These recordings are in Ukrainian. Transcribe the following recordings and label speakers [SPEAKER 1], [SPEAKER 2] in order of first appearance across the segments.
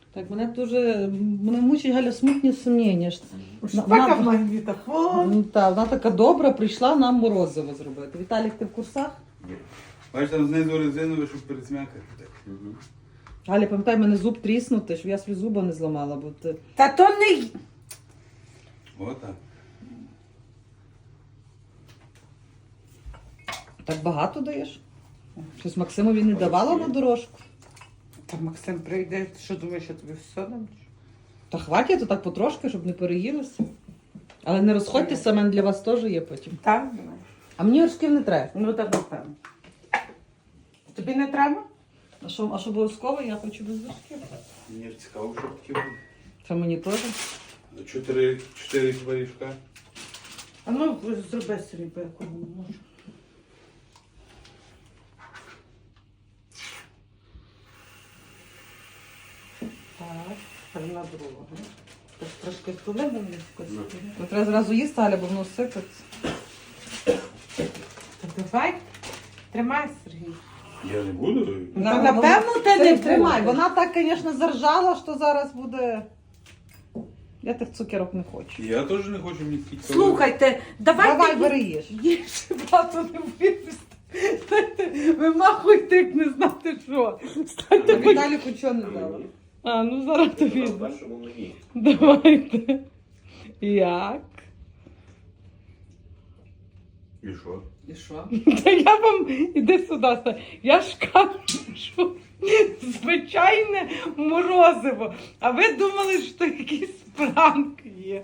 [SPEAKER 1] Так, мене мучить Галя смутні сумніння.
[SPEAKER 2] Така в магнітофон.
[SPEAKER 1] Ну, та, вона така добра, прийшла нам морозиво зробити. Віталік, ти в курсах?
[SPEAKER 3] Ні. Бачиш, там знизу резинове, щоб пересмякати.
[SPEAKER 1] Галя, пам'ятай, мене зуб тріснути, щоб я свій зуба не зламала, бо ти...
[SPEAKER 2] Та то не...
[SPEAKER 3] Отак.
[SPEAKER 1] Так багато даєш? Щось Максимові не давала на дорожку?
[SPEAKER 2] Та Максим прийде, ти що думаєш, я тобі все дам?
[SPEAKER 1] Та хватить, то так потрошки, щоб не переїлося. Але не розходьтеся, мене для вас теж є потім.
[SPEAKER 2] Так?
[SPEAKER 1] А мені вершків не треба.
[SPEAKER 2] Ну так, напевно. Тобі не треба?
[SPEAKER 1] А що обов'язково? Я хочу без вершків.
[SPEAKER 3] Мені ж цікаво, що таке буде.
[SPEAKER 1] Це мені теж.
[SPEAKER 3] 4 пиріжка.
[SPEAKER 2] А ну, зроби собі, по якому можу. Так, тепер на другу. Так, трошки туди мені вкусити.
[SPEAKER 1] Ну, треба зразу їсти, Галя, бо воно сипеться.
[SPEAKER 2] Так давай, тримай, Сергій.
[SPEAKER 3] Я не буду.
[SPEAKER 2] Ну, напевно, ти не
[SPEAKER 1] тримай.
[SPEAKER 2] будеш.
[SPEAKER 1] Вона так, звісно, заржала, що зараз буде... Я тих цукерок не хочу.
[SPEAKER 3] Я теж не хочу мені такі.
[SPEAKER 2] Слухайте, давайте...
[SPEAKER 1] Давай, бери їж.
[SPEAKER 2] Їж, багато не випустити. Ви махуйте, як не знати що. Станьте хоч...
[SPEAKER 1] Віталіку чого не дала?
[SPEAKER 2] А, ну зараз тобі.
[SPEAKER 4] В першому мені.
[SPEAKER 2] Давайте. Як?
[SPEAKER 3] І що?
[SPEAKER 1] І що?
[SPEAKER 2] Та я вам... Іди сюди. Я ж кажу, звичайне морозиво. А ви думали, що якийсь пранк є.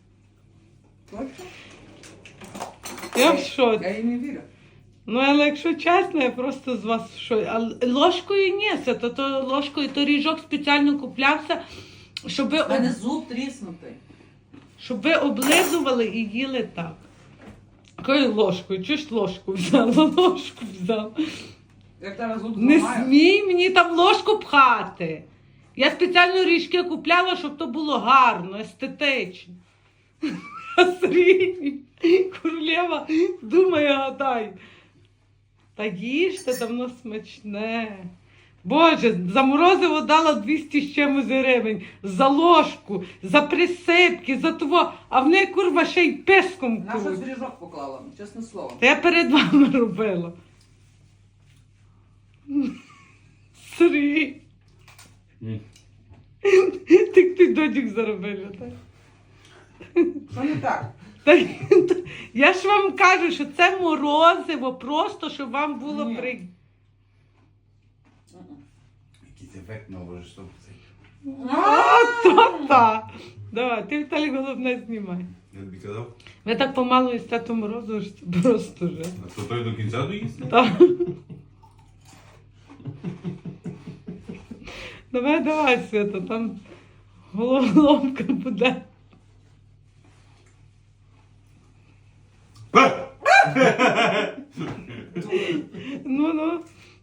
[SPEAKER 2] Я в шоці.
[SPEAKER 1] Я їй не вірю.
[SPEAKER 2] Ну, але якщо чесно, я просто з вас в шоці. А ложкою ні, то ложкою, то ріжок спеціально куплявся, щоб ви,
[SPEAKER 1] У мене зуб тріснутий.
[SPEAKER 2] щоб ви облизували і їли так. Якою ложкою? Чого ж ложку взяла? Ложку взяла.
[SPEAKER 1] Як тебе зуб
[SPEAKER 2] Не
[SPEAKER 1] зламає?
[SPEAKER 2] смій мені там ложку пхати. Я спеціально ріжки купляла, щоб то було гарно, естетично. А Сергій, королева, думає, гадай. Та їжте, давно смачне. Боже, за морозиво дала 200 з чимось гривень. За ложку, за присипки, за того. А в неї, курва, ще й писком
[SPEAKER 1] На щось
[SPEAKER 2] курва.
[SPEAKER 1] в ріжок поклала, чесне слово.
[SPEAKER 2] Та я перед вами робила. Сергій. Ти додік заробила, так?
[SPEAKER 1] Що не так?
[SPEAKER 2] Я ж вам кажу, що це морозиво, просто, щоб вам було
[SPEAKER 1] Ні.
[SPEAKER 2] приємно.
[SPEAKER 3] Якийсь ефект наложиш, щоб цей.
[SPEAKER 2] Та. Давай, ти, Віталій, головне знімай.
[SPEAKER 3] Я тобі казав,
[SPEAKER 2] Ви так помалу їсте то морозиво, що це просто вже.
[SPEAKER 3] а то той до кінця доїсти?
[SPEAKER 2] Так. Давай, Свята, там головоломка буде. Ну.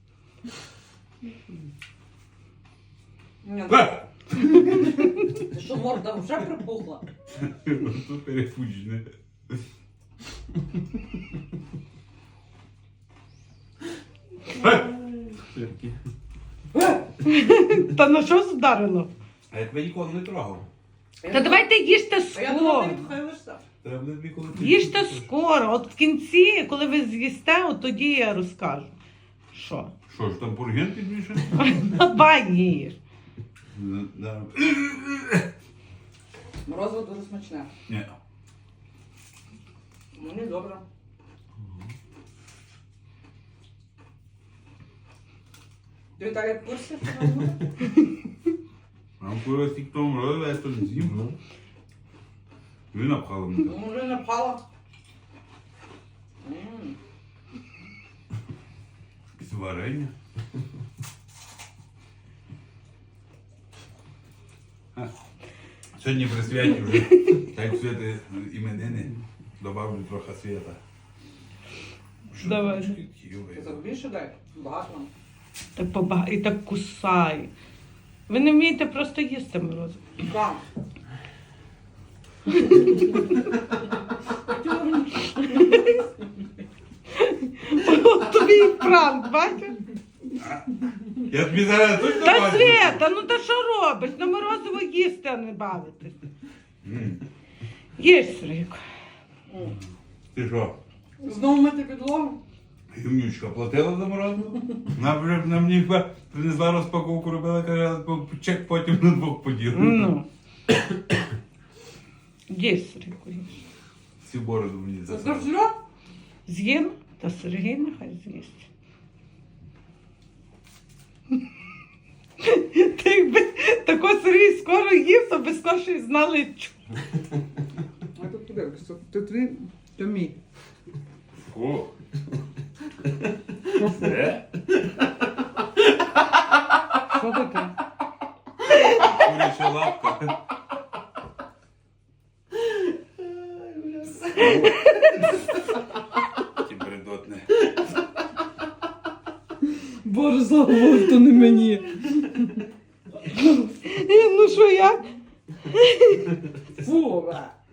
[SPEAKER 1] Ти що, морда вже припухла?
[SPEAKER 3] Тут перепучне.
[SPEAKER 2] Та на що вдарило?
[SPEAKER 3] А я тебе ніколи не трогав.
[SPEAKER 2] Та давайте їжте
[SPEAKER 1] А я думала,
[SPEAKER 2] скоро.
[SPEAKER 1] ти відхилишся.
[SPEAKER 3] Треба буде тобі коли
[SPEAKER 2] Їжте скоро. От в кінці, коли ви з'їсте, от тоді я розкажу. Що?
[SPEAKER 3] Що ж, там пурген більше?
[SPEAKER 2] Давай їж.
[SPEAKER 3] Да.
[SPEAKER 1] Морозиво дуже смачне.
[SPEAKER 3] Ні.
[SPEAKER 1] Мені добре. Ти, Віталій, в курсі?
[SPEAKER 3] Нам курва стільки того морозива, я то не з'їм. Ви напхали мене.
[SPEAKER 1] Ну, вже напала.
[SPEAKER 3] З варення. Сьогодні при святі вже, так святи іменини, добавлю трохи свята.
[SPEAKER 2] Давай.
[SPEAKER 1] Ти так більше дай? Багато нам.
[SPEAKER 2] Так і так кусай. Ви не вмієте просто їсти морозиво.
[SPEAKER 1] Так.
[SPEAKER 2] Тобі і пранк, бачиш?
[SPEAKER 3] Я тобі зараз точно
[SPEAKER 2] Та
[SPEAKER 3] бачу.
[SPEAKER 2] Свята, ну та що робиш? На морозиво їсти, а не бавитись.
[SPEAKER 3] М.
[SPEAKER 2] Їж, Сергійко.
[SPEAKER 3] Ти що?
[SPEAKER 1] Знову мити підлогу?
[SPEAKER 3] Гімнючка платила за морозиво? Вона вже на мені принесла розпаковку, робила, каже, чек потім на двох поділимо.
[SPEAKER 2] Ну. Їж, Сергійко, їж.
[SPEAKER 3] Всі бороду мені
[SPEAKER 1] Це
[SPEAKER 3] засрали.
[SPEAKER 1] все?
[SPEAKER 2] З'їм, та Сергій нехай з'їсть. Ти якби тако Сергій скоро їв, то би скорше знали, чому.
[SPEAKER 1] А тут подивишся, то твій, то мій.
[SPEAKER 3] О. Це?
[SPEAKER 2] Що таке?
[SPEAKER 3] Куряча лапка. Ті бредотне.
[SPEAKER 1] Боже, заговор, то не мені.
[SPEAKER 2] Ну що як?
[SPEAKER 1] Фу, бе.